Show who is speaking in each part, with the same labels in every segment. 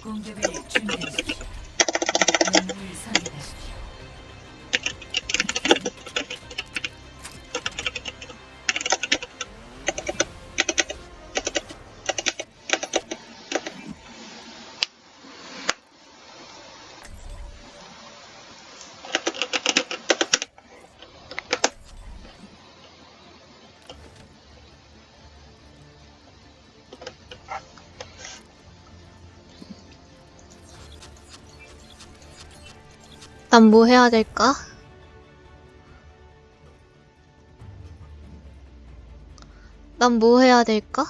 Speaker 1: 공격을 준비하십시오. 영웅을 선택하십시오.
Speaker 2: 난 뭐 해야 될까? 난 뭐 해야 될까?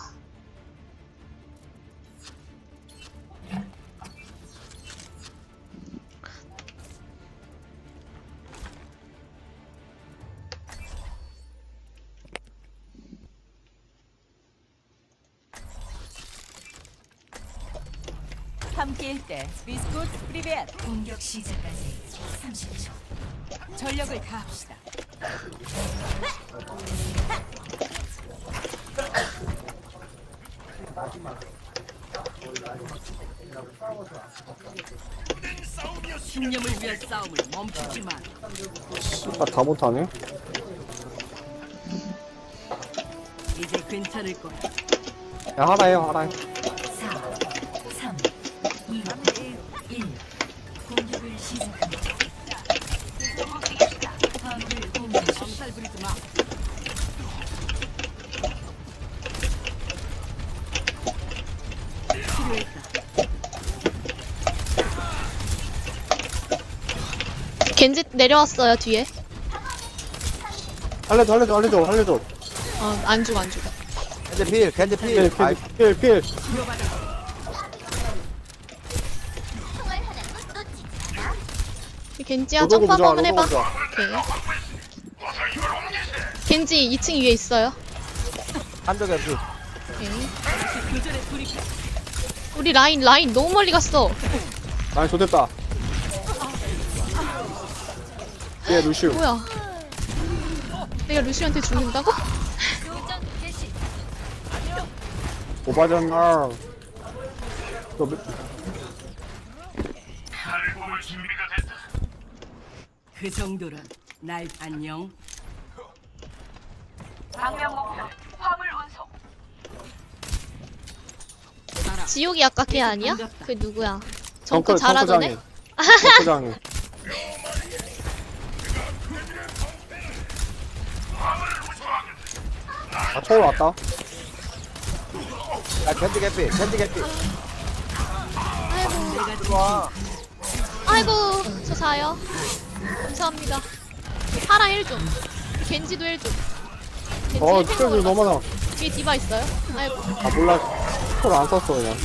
Speaker 3: 함께일 때 비스쿠트 프리벳
Speaker 1: 공격 시작까지 30초.
Speaker 3: 전력을 다합시다. 신념을 위한 싸움을 멈추지 마.
Speaker 4: 아, 다 못하네.
Speaker 3: 이제 괜찮을 거야.
Speaker 4: 야, 하라 해요, 하라 해.
Speaker 1: 4, 3, 2, 1. 공격을 시작합니다. 화물을 공격하십시오.
Speaker 3: 엄살 부리지 마. 필요했다.
Speaker 2: 겐지 내려왔어요, 뒤에.
Speaker 4: 알려줘, 알려줘, 알려줘, 알려줘.
Speaker 2: 안 죽어.
Speaker 5: 캔디 필, 캔디
Speaker 4: 필,
Speaker 5: 필. 아이,
Speaker 4: 필, 필.
Speaker 2: 겐지야,
Speaker 4: 로도고
Speaker 2: 점프
Speaker 4: 보자,
Speaker 2: 한번 해봐.
Speaker 4: 로도고
Speaker 2: 오케이. 겐지 2층 위에 있어요.
Speaker 5: 한쪽에 필.
Speaker 2: 오케이.
Speaker 3: 교전에 돌입해.
Speaker 2: 우리 라인 너무 멀리 갔어.
Speaker 4: 많이 좋됐다. 얘 루시우.
Speaker 2: 뭐야? 내가 루시한테 죽는다고?
Speaker 4: 오바잖아. 너,
Speaker 3: 그 정도란 날 안녕.
Speaker 2: 지옥이 아까 걔 아니야? 그 누구야? 정크
Speaker 4: 정크,
Speaker 2: 잘하더네?
Speaker 4: 정크장이. 아, 초월 왔다.
Speaker 5: 야, 캔디 개피, 캔디 개피.
Speaker 3: 내가
Speaker 2: 아이고, 저 사요. 감사합니다. 파라 1좀. 겐지도 1좀. 겐지
Speaker 4: 스킬들 너무 많아.
Speaker 2: 뒤에 디바 있어요? 아이고,
Speaker 4: 아, 몰라. 초월 안 썼어, 그냥.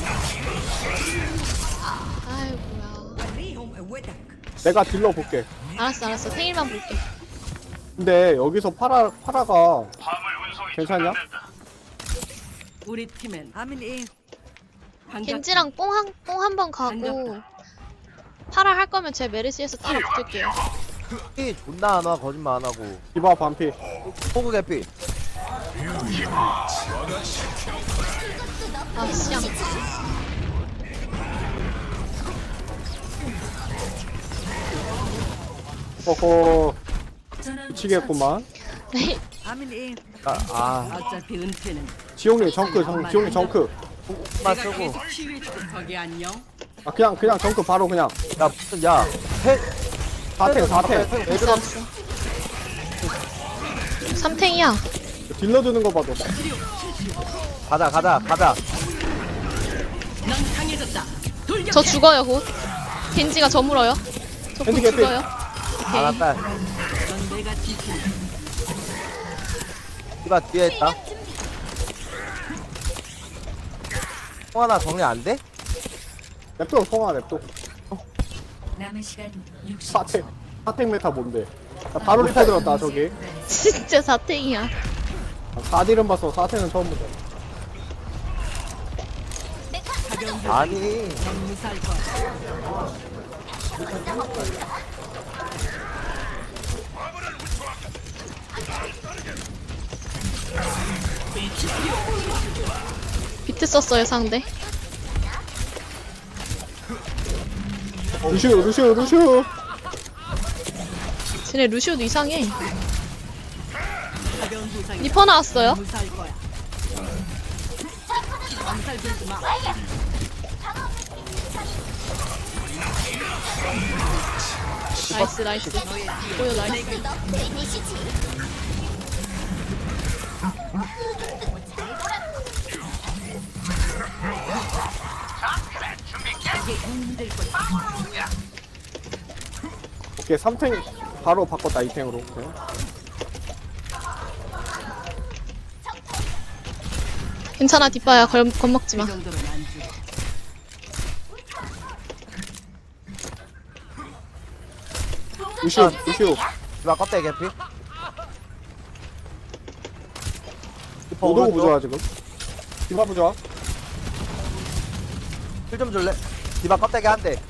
Speaker 2: 아이고야.
Speaker 4: 내가 딜러 볼게.
Speaker 2: 알았어. 생일만 볼게.
Speaker 4: 근데 여기서 파라가 괜찮냐?
Speaker 3: 우리 팀엔
Speaker 2: 겐지랑 뽕 한 번 가고 파라 할 거면 제 메르시에서 뒤로 붙을게요.
Speaker 5: 피 존나 안 와, 거짓말 안 하고.
Speaker 4: 디바 반피.
Speaker 5: 호구 개피.
Speaker 2: 아, 씨앙.
Speaker 4: 어허,
Speaker 1: 전원
Speaker 4: 미치겠구만.
Speaker 2: 네.
Speaker 3: 어차피 은퇴는
Speaker 4: 지용이 정크, 지용이 정크.
Speaker 5: 만
Speaker 3: 내가
Speaker 5: 쓰고.
Speaker 3: 계속 치유해줄게. 거기 안녕.
Speaker 4: 아, 그냥 정크 바로 그냥.
Speaker 5: 야, 무슨, 야. 해.
Speaker 4: 4탱.
Speaker 5: 왜 들어?
Speaker 2: 삼탱이야.
Speaker 4: 딜러 주는 거 봐도.
Speaker 5: 가자.
Speaker 3: 넌 강해졌다. 돌격.
Speaker 2: 저 죽어요, 곧. 겐지가 저 물어요. 저 곧
Speaker 4: 겐지 개피.
Speaker 2: 죽어요. 오케이.
Speaker 5: 알았다.
Speaker 3: 넌 내가 지킨다.
Speaker 5: 디바 뒤에 있다. 통 하나 정리 안 돼?
Speaker 4: 랩도 성아 랩도.
Speaker 1: 남은 시간 60초.
Speaker 4: 4탱 메타 뭔데? 나 바로 리타 들었다, 저기.
Speaker 2: 진짜 사탱이야.
Speaker 4: 4딜은 봤어, 4탱은 처음 보자.
Speaker 3: 가벼운
Speaker 5: 아니.
Speaker 3: 넌 무사할 거야.
Speaker 2: 비트 썼어요, 상대.
Speaker 4: 루시오.
Speaker 2: 쟤네 루시오도 이상해.
Speaker 3: 가벼운 부상이
Speaker 2: 리퍼 나왔어요.
Speaker 3: 무사할 거야. 암살 들지 마.
Speaker 2: 나이스. 보여 나이스.
Speaker 4: 오케이 3탱 바로 바꿨다 2탱으로. 오케이.
Speaker 2: 괜찮아 뒷바야 겁먹지
Speaker 3: 이
Speaker 2: 마.
Speaker 3: 정도는 안 주.
Speaker 4: 루시오.
Speaker 5: 디바 껍데기 개피. 리퍼
Speaker 4: 오도고
Speaker 5: 오른쪽.
Speaker 4: 부좋아 지금. 디바 부좋아.
Speaker 5: 힐좀 줄래? 디바 껍데기 한 대.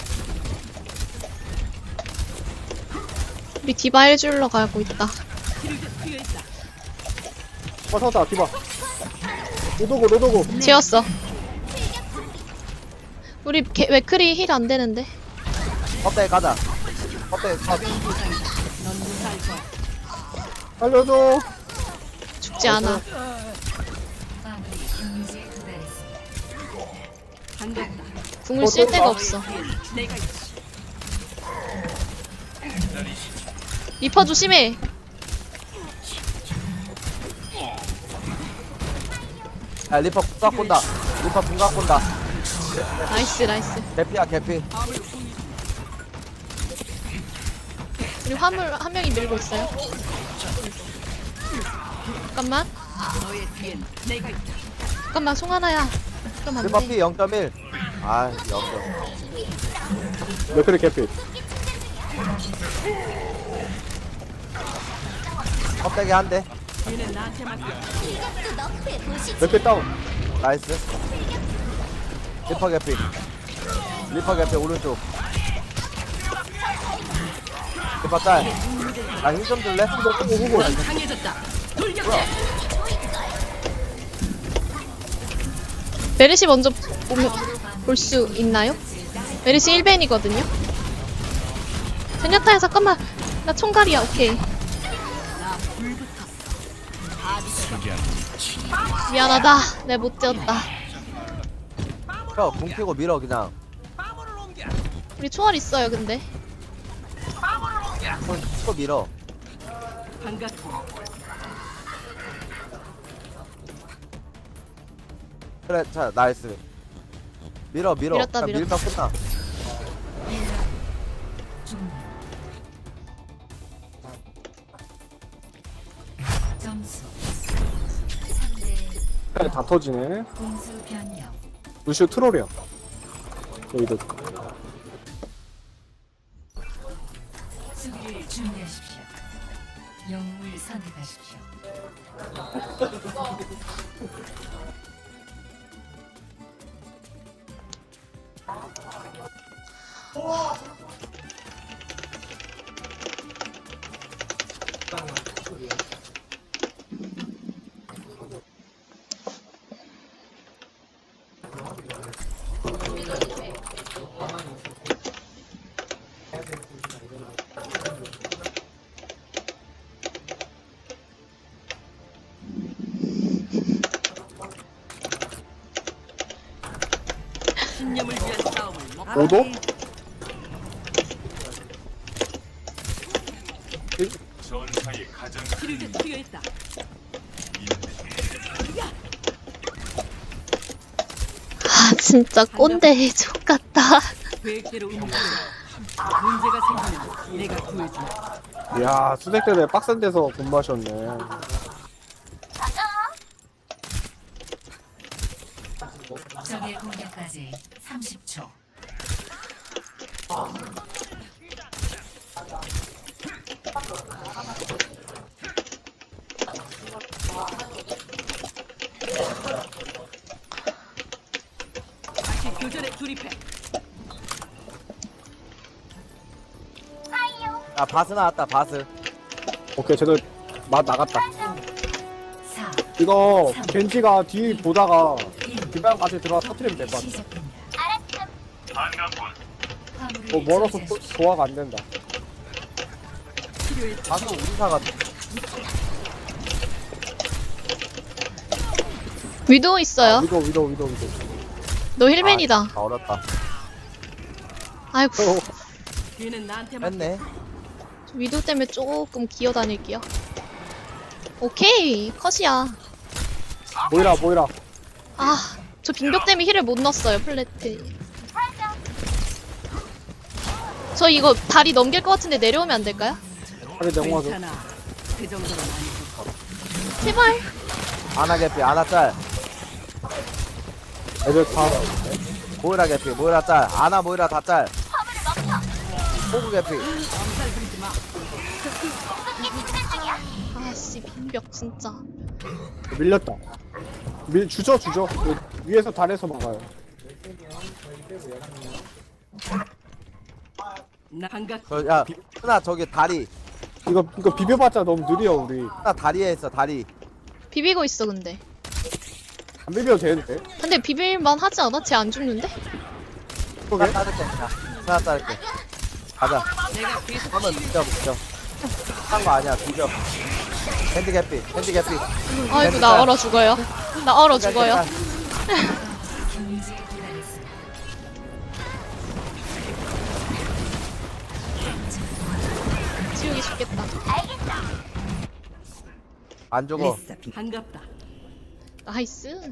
Speaker 2: 우리 디바 해줄러 가고 있다.
Speaker 3: 치료제 필요했다.
Speaker 4: 찾았다 디바. 로도고.
Speaker 2: 지웠어. 우리 웨크리 힐 안 되는데.
Speaker 5: 껍데기 가자. 껍데기 컷.
Speaker 3: 가벼운 부상이다. 넌 무사할 거야.
Speaker 4: 살려줘.
Speaker 2: 죽지 않아.
Speaker 1: 아군이 경유지에 도달했습니다.
Speaker 3: 반갑다.
Speaker 2: 궁을 쓸 데가 없어.
Speaker 3: 내가 있지.
Speaker 2: 리퍼 조심해.
Speaker 5: 야 리퍼 궁각 본다. 리퍼 궁각 본다.
Speaker 2: 나이스.
Speaker 5: 개피야 개피.
Speaker 2: 우리 화물 한 명이 밀고 있어요. 잠깐만.
Speaker 3: 너의 뒤엔 내가 있다.
Speaker 2: 잠깐만 송하나야. 그럼 안
Speaker 5: 리퍼
Speaker 2: 돼.
Speaker 5: 피 0.1. 아 0.
Speaker 4: 맥크리 개피.
Speaker 5: 껍데기 한 대.
Speaker 3: 얘는 나한테 맡겨.
Speaker 4: 맥크리 다운.
Speaker 5: 나이스. 리퍼 개피. 오른쪽. 리퍼 짤. 나힘 좀 줄래?
Speaker 3: 넌 강해졌다. 돌격.
Speaker 2: 메르시 먼저 볼 수 있나요? 메르시 1벤이거든요. 제냐타야 잠깐만. 나 총갈이야. 오케이. 미안하다. 내 못 지었다.
Speaker 5: 궁 피고 밀어 그냥.
Speaker 2: 우리 초월 있어요 근데.
Speaker 5: 손 치고 밀어.
Speaker 3: 반갑고.
Speaker 5: 그래 자 나이스. 밀어.
Speaker 2: 밀었다,
Speaker 5: 그냥 밀면 끝나.
Speaker 1: 점수 3대
Speaker 4: 다 터지네.
Speaker 1: 공수 변경.
Speaker 4: 루시오 트롤이야. 여기도.
Speaker 1: 수비를 준비하십시오. 영웅을 선택하십시오.
Speaker 3: 신념을 위한 싸움을
Speaker 4: 오도?
Speaker 3: 치료제 필요했다.
Speaker 2: 아 진짜 꼰대 족같다.
Speaker 3: 계획대로 움직여. 문제가 생기면 내가 구해준다.
Speaker 4: 이야 수색 때문에 빡센 데서 근무하셨네.
Speaker 1: 적의 공격까지 30초.
Speaker 3: 다시 교전에 돌입해.
Speaker 5: 아 바스 나왔다 바스.
Speaker 4: 오케이 쟤들 맛 나갔다.
Speaker 1: 4,
Speaker 4: 이거 겐지가 뒤 보다가
Speaker 1: 1.
Speaker 4: 디바까지 들어가 터트리면 될 것 같아.
Speaker 1: 시작됩니다. 화물을
Speaker 4: 멀어서
Speaker 1: 저지하십시오.
Speaker 4: 도화가 안 된다.
Speaker 5: 방금 우리사가
Speaker 2: 위도우 있어요.
Speaker 4: 위도.
Speaker 2: 너 힐맨이다.
Speaker 5: 아, 어렵다.
Speaker 2: 아이고.
Speaker 3: 뒤는 나한테만
Speaker 5: 했네.
Speaker 2: 위도우 때문에 조금 기어 다닐게요. 오케이. 컷이야.
Speaker 4: 모이라.
Speaker 2: 아, 저 빙벽 때문에 힐을 못 넣었어요, 플래트. 저 이거 다리 넘길 것 같은데 내려오면 안 될까요?
Speaker 4: 하게 내공하죠.
Speaker 3: 괜찮아. 그 정도는 아니고.
Speaker 2: 제발.
Speaker 5: 아나 개피, 아나 짤.
Speaker 4: 애들 다
Speaker 5: 모이라 개피, 모이라 짤. 아나 모이라 다 짤. 호구 개피.
Speaker 3: 엄살 부리지 마.
Speaker 2: 아씨, 빙벽 진짜.
Speaker 4: 밀렸다. 주죠. 그 위에서 달에서 막아요.
Speaker 3: 나 반갑.
Speaker 5: 야, 하나 저기 다리.
Speaker 4: 이거 비벼봤자 너무 느려 우리.
Speaker 5: 하나 다리에 있어, 다리.
Speaker 2: 비비고 있어, 근데.
Speaker 4: 안 비벼도 되는데.
Speaker 2: 근데 비빌만 하지 않아? 쟤 안 죽는데?
Speaker 4: 그러게.
Speaker 5: 하나 자를게. 야, 하나 자를게. 가자.
Speaker 3: 내가 계속
Speaker 5: 한번 비벼. 한 거 아니야, 비벼. 밴드 개피.
Speaker 2: 아이고, 나 얼어 죽어요. 나 얼어 죽어요.
Speaker 1: 경제에 도달했습니다.
Speaker 2: 지우기 쉽겠다.
Speaker 5: 안 죽어.
Speaker 3: 리사 반갑다.
Speaker 2: 나이스.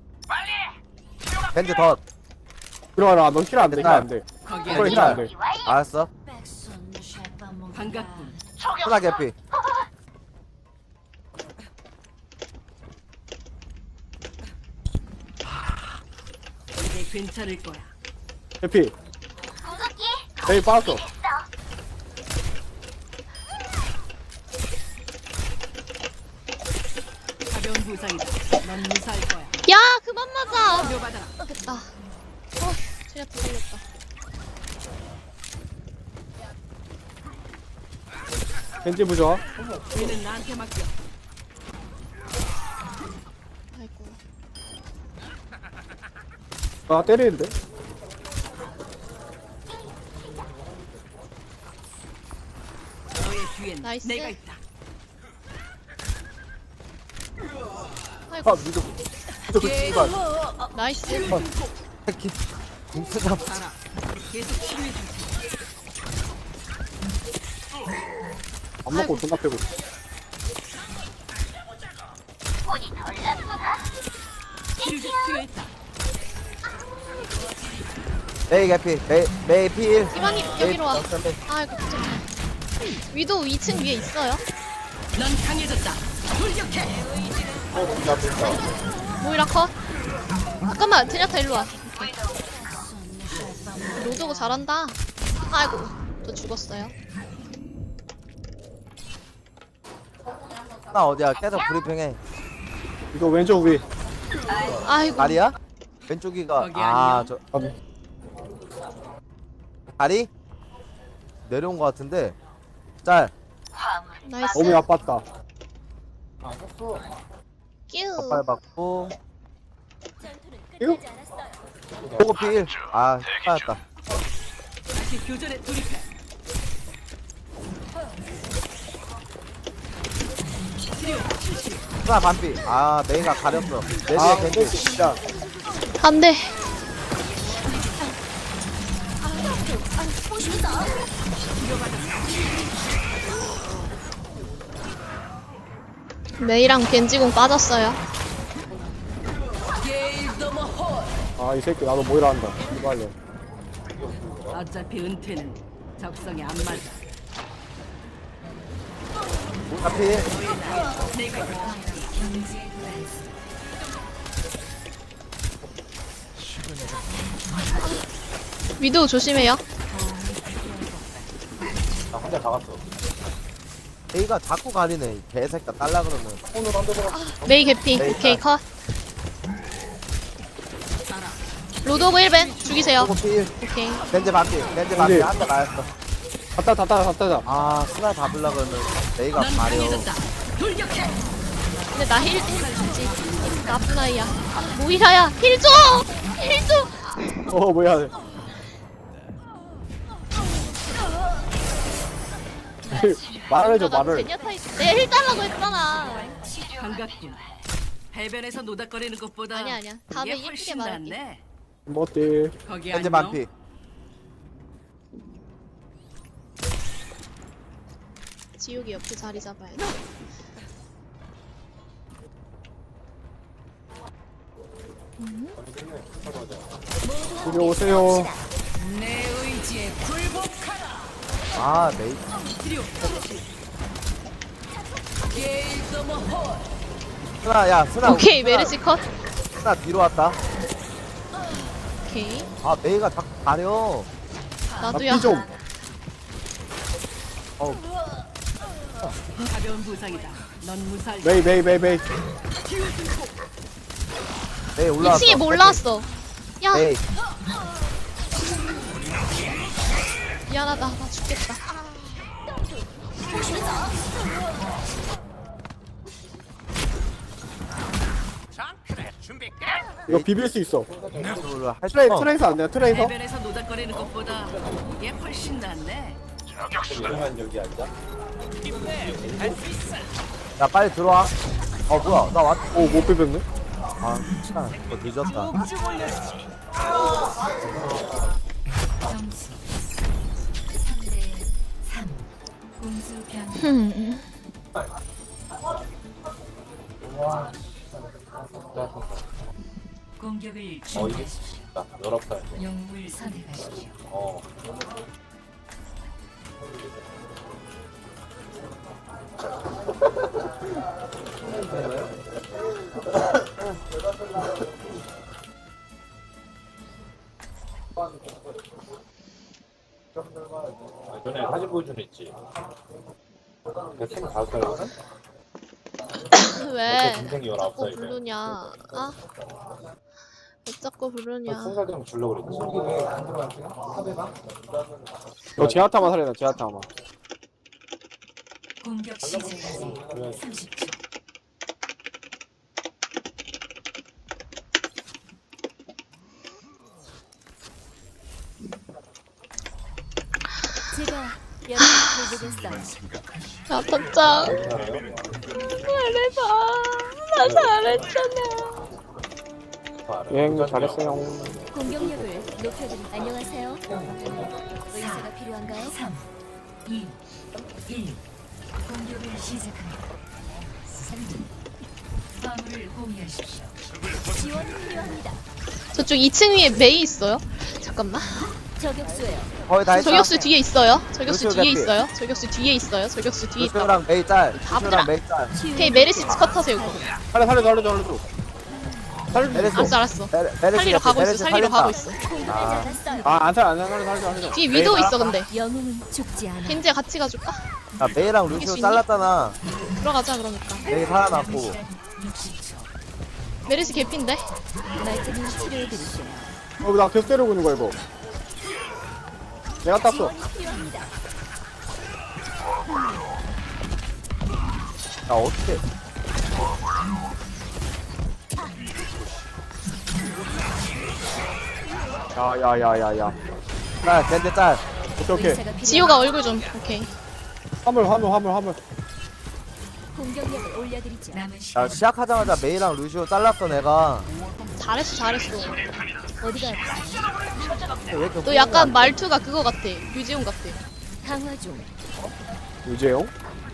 Speaker 5: 밴드 덧.
Speaker 4: 들어가라. 너 힐 안 돼. 힐안 돼.
Speaker 3: 거기
Speaker 4: 이거
Speaker 3: 아니.
Speaker 4: 힐안 돼.
Speaker 5: 알았어.
Speaker 3: 반갑군.
Speaker 5: 하나 개피.
Speaker 3: 이제 괜찮을 거야.
Speaker 4: 해피. 에이 빠졌어.
Speaker 3: 가벼운 부상이다. 넌 무사할 거야.
Speaker 2: 야, 그만 맞아.
Speaker 3: 치료받아라.
Speaker 2: 됐다. 제가 더 걸렸다.
Speaker 4: 겐지 부좋아.
Speaker 3: 뒤는 나한테 맡겨.
Speaker 2: 아이고.
Speaker 4: 아 때리는데.
Speaker 3: 너의 뒤엔
Speaker 2: 나이스.
Speaker 3: 내가 있다.
Speaker 2: 아이고.
Speaker 4: 아 미드. 씨발.
Speaker 2: 나이스.
Speaker 5: 새끼. 공수잡.
Speaker 3: 알아. 계속 치료해 줄게.
Speaker 4: 안 먹고 존나 패고.
Speaker 3: 치료제 필요했다.
Speaker 5: 메이 개피. 메이 필.
Speaker 2: 이만님, 여기로 와. 아이고, 깜짝이야. 위도 2층 위에 있어요.
Speaker 3: 넌 강해졌다. 돌격해.
Speaker 2: 모이라 컷. 잠깐만, 드냐타 일로 와. 로드고 잘한다. 아이고, 또 죽었어요.
Speaker 5: 하나 어디야? 계속 브리핑해.
Speaker 4: 이거 왼쪽 위.
Speaker 2: 아이고.
Speaker 5: 다리야? 왼쪽이가.
Speaker 3: 거기
Speaker 5: 아,
Speaker 3: 아니요.
Speaker 5: 저
Speaker 4: 아니.
Speaker 5: 다리? 내려온 거 같은데. 짤.
Speaker 2: 나이스.
Speaker 4: 너무 아팠다.
Speaker 2: 끼우.
Speaker 5: 발 받고.
Speaker 4: 이거
Speaker 5: 호구 필. 아, 빠졌다.
Speaker 3: 다시 교전에 돌입해.
Speaker 5: 하나 반피. 아, 메이가 가렸어. 내
Speaker 4: 아
Speaker 5: 뒤에
Speaker 4: 겐지
Speaker 5: 겐지.
Speaker 4: 진짜.
Speaker 2: 안 돼. 메이랑 겐지공 빠졌어요.
Speaker 4: 아 이 새끼 나도 모이라 한다. 이발려.
Speaker 3: 어차피 은퇴는 적성에 안 맞아.
Speaker 5: 하필.
Speaker 3: 내가 있다.
Speaker 1: 경제에 도달했습니다.
Speaker 2: 위도우 조심해요.
Speaker 5: 나 혼자 다 갔어. 메이가 자꾸 가리네. 이 개새끼 딸라 그러면.
Speaker 2: 메이 개피.
Speaker 5: 메이
Speaker 2: 오케이,
Speaker 5: 컷.
Speaker 2: 컷. 로드오브 1벤 죽이세요.
Speaker 5: 호구 필.
Speaker 2: 오케이.
Speaker 5: 겐지 반피. 겐지 반피.
Speaker 4: 겐지.
Speaker 5: 한대 맞았어.
Speaker 4: 갔다.
Speaker 5: 아, 스나 잡으려 그러면 메이가
Speaker 3: 넌
Speaker 5: 가려.
Speaker 3: 강해졌다. 돌격해.
Speaker 2: 근데 나 힐 주지. 나쁜 아이야. 모이라야, 힐 줘! 힐 줘!
Speaker 4: 뭐야. 말을 해줘
Speaker 2: 나
Speaker 4: 말을.
Speaker 2: 제니아타 내가 힐 달라고 했잖아.
Speaker 3: 반갑군. 해변에서 노닥거리는 것보다
Speaker 2: 아니야. 다음에
Speaker 3: 이게
Speaker 2: 예쁘게
Speaker 3: 훨씬
Speaker 2: 말할게.
Speaker 3: 낫네.
Speaker 4: 뭐 어때?
Speaker 3: 거기
Speaker 5: 현재
Speaker 3: 안녕.
Speaker 5: 반피.
Speaker 2: 지옥이 옆에 자리 잡아야 돼.
Speaker 4: 이리 오세요.
Speaker 3: 내 의지에 굴복하라.
Speaker 5: 아 메이.
Speaker 3: 드리오. 게이더머 홀.
Speaker 5: 스나 야 스나.
Speaker 2: 오케이
Speaker 5: 스나,
Speaker 2: 메르시 컷.
Speaker 5: 스나 뒤로 왔다.
Speaker 2: 오케이
Speaker 5: 아 메이가 자꾸 가려.
Speaker 2: 나도야.
Speaker 4: 나피 좀.
Speaker 5: 어우
Speaker 3: 가벼운 부상이다. 넌 무사할.
Speaker 4: 메이.
Speaker 5: 메이 올라왔어.
Speaker 2: 2층에 뭐 올라왔어. 야
Speaker 5: 메이.
Speaker 2: 미안하다. 나 죽겠다.
Speaker 4: 이거 비빌 수 있어.
Speaker 5: 할
Speaker 4: 트레이서 안 돼요? 트레이서?
Speaker 3: 해변에서 노닥거리는 것보다 이게 훨씬 낫네.
Speaker 5: 야 빨리 들어와. 어 뭐야 나 왔.
Speaker 4: 오 못 비볐네.
Speaker 5: 아 시간 뭐 늦었다.
Speaker 1: 점수 3대 3. 공수 변. 공격을 준비하십시오. 영웅을 선택하십시오.
Speaker 6: 전에 사진 보여준 애 있지. 그 25살이거든?
Speaker 2: 왜?
Speaker 6: 동생이
Speaker 2: 자꾸
Speaker 6: 19살이래.
Speaker 2: 부르냐? 아? 왜 자꾸 부르냐?
Speaker 6: 20살 되면 주려고 그랬지.
Speaker 4: 이거 제아타만 살려놔 제아타만.
Speaker 1: 공격 시작까지 30초.
Speaker 7: 제가 여러분을 돌보겠어요.
Speaker 2: 야 던짱. 잘해봐. 나 잘했잖아.
Speaker 4: 여행 잘했어요.
Speaker 7: 공격력을 높여드리. 안녕하세요. 의사가 필요한가요?
Speaker 1: 3, 2, 1. 공격을 시작합니다. 화물을 공유하십시오.
Speaker 7: 지원이 필요합니다.
Speaker 2: 저쪽 2층 위에 메이 있어요? 잠깐만.
Speaker 7: 저격수예요.
Speaker 5: 거의 다 했다.
Speaker 2: 저격수 뒤에 있어요. 저격수
Speaker 5: 루시오
Speaker 2: 뒤에
Speaker 5: 개피.
Speaker 2: 있어요. 저격수 뒤에 있어요. 저격수 뒤에 있다.
Speaker 5: 루시오랑 메이 짤.
Speaker 2: 바보들아.
Speaker 5: 루시오랑 메이 짤.
Speaker 2: 오케이 메르시 컷하세요 이거.
Speaker 4: 살려줘.
Speaker 5: 메르시.
Speaker 2: 알았어.
Speaker 5: 메르시
Speaker 2: 살리러 가고 있어.
Speaker 5: 메르시
Speaker 2: 살리러
Speaker 5: 살린다.
Speaker 2: 가고 있어.
Speaker 7: 공격하지 않았어요.
Speaker 4: 안 살려.
Speaker 2: 뒤에 위도우 있어 근데.
Speaker 7: 영웅은 죽지 않아.
Speaker 2: 겐지야 같이 가줄까?
Speaker 5: 야 메이랑
Speaker 2: 이길 수
Speaker 5: 루시오
Speaker 2: 있니?
Speaker 5: 잘랐잖아.
Speaker 2: 들어가자 그러니까.
Speaker 5: 메이 살아났고.
Speaker 1: 60초.
Speaker 2: 메르시 개피인데?
Speaker 7: 말끔히 치료해드릴게요.
Speaker 4: 나 계속 때리고 있는 거야 이거. 내가 땄어.
Speaker 7: 지원이 필요합니다.
Speaker 5: 야 어떻게?
Speaker 4: 야야야야야.
Speaker 5: 나 겐지 짤.
Speaker 4: 오케이.
Speaker 7: 의사가 필요한
Speaker 2: 지효가 얼굴 좀. 오케이.
Speaker 4: 화물.
Speaker 7: 공격력을 올려드리죠.
Speaker 1: 남은
Speaker 5: 야
Speaker 1: 시간
Speaker 5: 시작하자마자 메이랑 루시오 잘랐어 내가.
Speaker 2: 잘했어.
Speaker 7: 어디가 아프세요?
Speaker 5: 왜 이렇게
Speaker 2: 너 약간 말투가 그거 같아. 유지훈 같아.
Speaker 7: 강화 중.
Speaker 4: 유재용?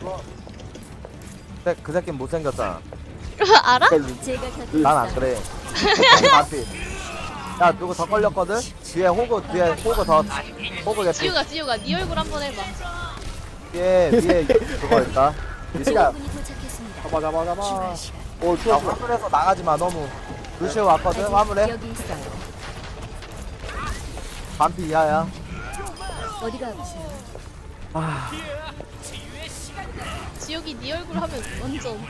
Speaker 5: 그 새끼 못생겼잖아.
Speaker 2: 알아?
Speaker 7: 제가 곁에
Speaker 5: 난 안
Speaker 7: 있어요.
Speaker 5: 그래. 맞지? 야 누구 더 걸렸거든? 뒤에 호그 더 호그 개피.
Speaker 2: 지효가 네 얼굴 한번 해봐.
Speaker 5: 위에 그거 있다. 루시가
Speaker 7: 분이 도착했습니다.
Speaker 4: 잡아. 오
Speaker 5: 야
Speaker 4: 추웠어.
Speaker 5: 화물에서 나가지 마 너무. 루시오 왔거든 화물에.
Speaker 7: 여기 있어요.
Speaker 5: 반피 이하야.
Speaker 7: 어디가 아프세요?
Speaker 2: 지효이 네 얼굴 하면 완전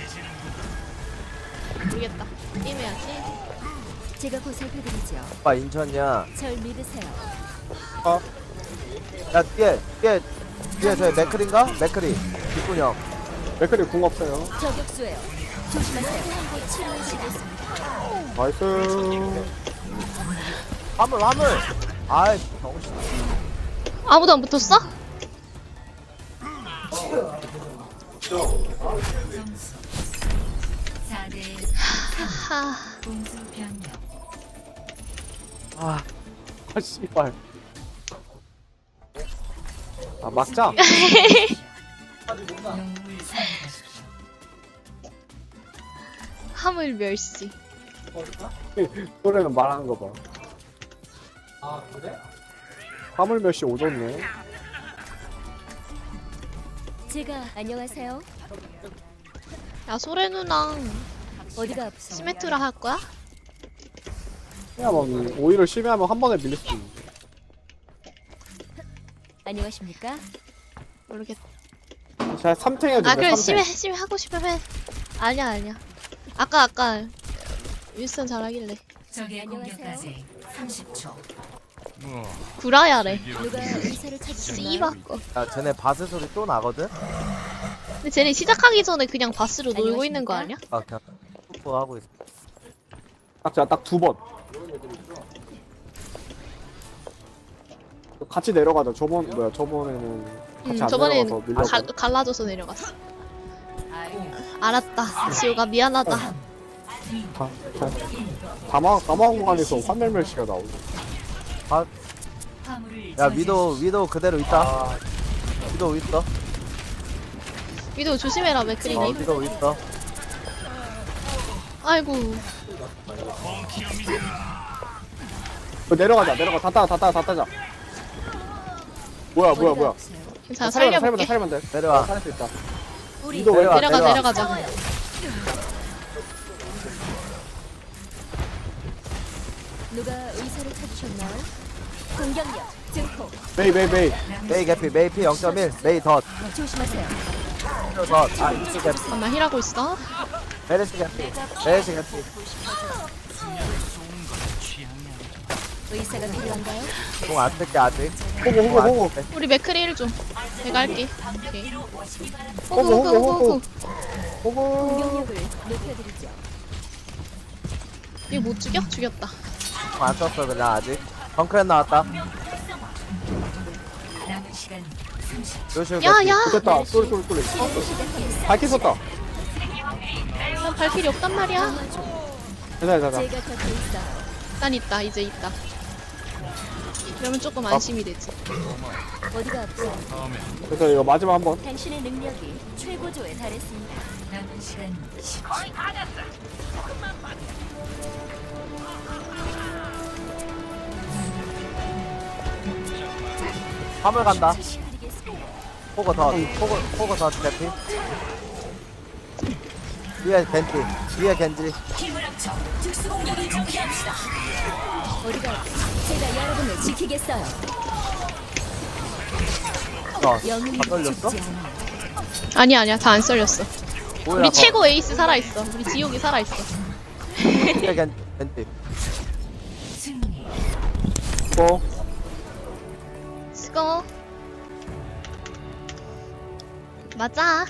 Speaker 2: 모르겠다. 게임해야지.
Speaker 7: 제가 보살펴드리죠.
Speaker 5: 오빠 인천이야.
Speaker 7: 절 믿으세요.
Speaker 5: 야 뒤에 저 맥클인가? 맥클이. 뒷구녕.
Speaker 4: 맥클이 궁 없어요.
Speaker 7: 저격수예요. 조심하세요. 한곳 치료해드리겠습니다.
Speaker 4: 나이스.
Speaker 5: 화물. 아이 병신.
Speaker 2: 아무도 안 붙었어?
Speaker 1: 점수 4대
Speaker 2: 하.
Speaker 1: 공수 변경.
Speaker 4: 아 씨발. 아 막자.
Speaker 1: 영웅을 선택하십시오.
Speaker 2: 화물 멸시.
Speaker 4: 노래는 말하는 거 봐. 아 그래? 화물 몇시 오졌네.
Speaker 7: 제가 안녕하세요.
Speaker 2: 야 소래 누나랑
Speaker 7: 어디가 아프세요?
Speaker 2: 시메트라 할 거야?
Speaker 4: 그냥 뭐 오히려 심해하면 한 번에 밀릴 수 있는데.
Speaker 7: 안녕하십니까?
Speaker 2: 모르겠다.
Speaker 4: 제가 3탱 해도
Speaker 2: 아
Speaker 4: 돼.
Speaker 2: 그래
Speaker 4: 3탱.
Speaker 2: 심해 하고 싶으면 해. 아니야. 아까 윌슨 잘하길래
Speaker 1: 적의
Speaker 7: 안녕하세요.
Speaker 1: 공격까지 30초.
Speaker 2: 구라야래.
Speaker 7: 누가 의사를 찾으셨나요?
Speaker 2: 씨바꺼.
Speaker 5: 야 쟤네 바스 소리 또 나거든?
Speaker 2: 근데 쟤네 시작하기 전에 그냥 바스로 놀고 있는 거 아니야?
Speaker 5: 아 그냥 뽀뽀하고 있어.
Speaker 4: 딱 2번. 같이 내려가자. 저번에는 같이 안
Speaker 2: 저번엔
Speaker 4: 내려가서 밀려고.
Speaker 2: 갈라져서 내려갔어. 알았다. 지호가 미안하다.
Speaker 4: 다마공간에서 환멸멸시가 나오네.
Speaker 1: 화물을
Speaker 5: 야 위도 그대로 있다. 위도 있어.
Speaker 2: 위도 조심해라
Speaker 5: 어
Speaker 2: 맥크리님.
Speaker 5: 위도 있어.
Speaker 2: 아이고.
Speaker 4: 내려가자. 다 따자. 뭐야.
Speaker 7: 어디가 아프세요?
Speaker 2: 괜찮아 살려볼게.
Speaker 4: 살면 돼.
Speaker 5: 내려와.
Speaker 4: 살릴 수 있다.
Speaker 7: 우리
Speaker 4: 위도 왜
Speaker 2: 내려가자.
Speaker 7: 누가 의사를 찾으셨나요? 공격력 증폭.
Speaker 4: 메이.
Speaker 5: 메이 개피 메이 피 0.1 메이 덧.
Speaker 7: 조심하세요.
Speaker 5: 덧아 이쪽 개피
Speaker 2: 잠깐만 힐하고 있어.
Speaker 5: 메르시 개피 메르시 개피.
Speaker 7: 의사가 필요한가요?
Speaker 5: 공안 쓸게 아직.
Speaker 4: 호구.
Speaker 2: 우리 맥크리 힐 좀. 내가 할게. 오케이.
Speaker 4: 호구.
Speaker 2: 호구.
Speaker 4: 호구.
Speaker 7: 공격력을 높여드리죠.
Speaker 2: 이거 못 죽여? 죽였다.
Speaker 5: 공안 썼어 그냥 아직. 펑크엔 나왔다.
Speaker 1: 남은 시간 30초.
Speaker 5: 요슈 개피.
Speaker 2: 야야.
Speaker 4: 됐다. 쏠. 밝히 썼다.
Speaker 2: 난 발길이 없단 말이야.
Speaker 4: 괜찮아.
Speaker 7: 제가 곁에 있어요.
Speaker 2: 난 있다. 이제 있다. 그러면 조금 안심이 되지.
Speaker 7: 어디가 아프세요?
Speaker 4: 그래서 이거 마지막 한 번.
Speaker 7: 당신의 능력이 최고조에 달했습니다.
Speaker 1: 남은 시간 10초.
Speaker 5: 화물 간다.
Speaker 7: 드리겠습니다.
Speaker 5: 호그 더 개피. 위에 겐지.
Speaker 7: 어디가 아프세요? 제가 여러분을 지키겠어요. 영웅이
Speaker 5: 다 걸렸어?
Speaker 7: 죽지 않아요.
Speaker 2: 아니야. 다 안 썰렸어.
Speaker 5: 뭐야,
Speaker 2: 우리 최고 에이스 살아있어. 우리 지옥이 살아있어.
Speaker 5: 위에 겐지.
Speaker 1: 승리.
Speaker 4: 뭐.
Speaker 2: 수고. 맞아.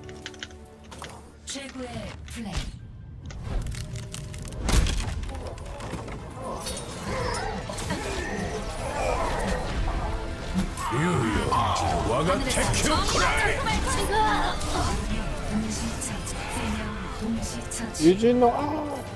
Speaker 1: 최고의 플레이. 동시처치. 3명 동시처치.
Speaker 4: 유진호.